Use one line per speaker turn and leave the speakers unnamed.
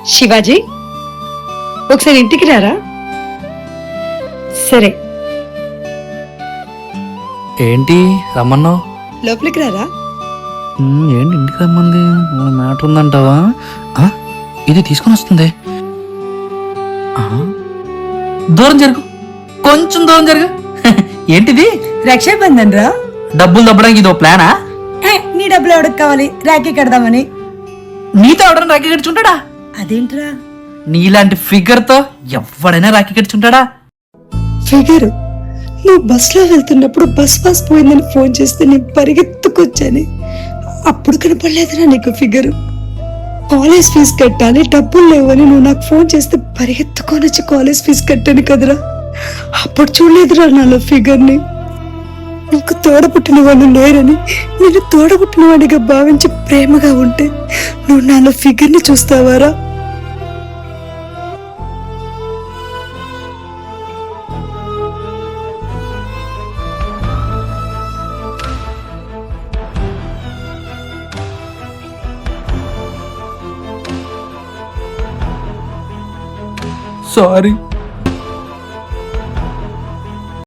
శివాజీ ఒకసారి ఇంటికి రారా. సరే
ఏంటి రమ్మన్నావు?
లోపలికి రారా.
ఏంటి ఇంటికి రమ్మంది? మ్యాటర్ ఉందంటావా? ఇది తీసుకొని వస్తుంది. దూరం జరుగు, కొంచెం దూరం జరుగు. ఏంటిది?
రక్షాబంధన్ రా.
డబ్బులు దబ్బడానికి ఇదో ప్లానా?
నీ డబ్బులు ఎవరికి కావాలి? రాఖీ కడదామని.
నీతో ఎవడన్నా రాఖీ కట్టుకుంటాడా?
అదేంట్రా
నీలాంటి ఫిగర్ తో ఎవడైనా రాఖీ కట్టుకుంటాడా?
ఫిగర్? నువ్వు బస్ లో వెళ్తున్నప్పుడు బస్ పాస్ పోయిందని ఫోన్ చేస్తే నేను పరిగెత్తుకొచ్చాను. అప్పుడు కనపడలేదురా నీకు ఫిగర్. కాలేజ్ ఫీజు కట్టాలి, డబ్బులు లేవని నువ్వు నాకు ఫోన్ చేస్తే పరిగెత్తుకొని వచ్చి కాలేజ్ ఫీజు కట్టాను కదరా. అప్పుడు చూడలేదురా నాలో ఫిగర్ ని. నాకు తోడబుట్టిన వాళ్ళు లేరని నేను తోడబుట్టిన వాడిగా భావించి ప్రేమగా ఉంటే నువ్వు నాలో ఫిగర్ ని చూస్తావారా?
సారీ.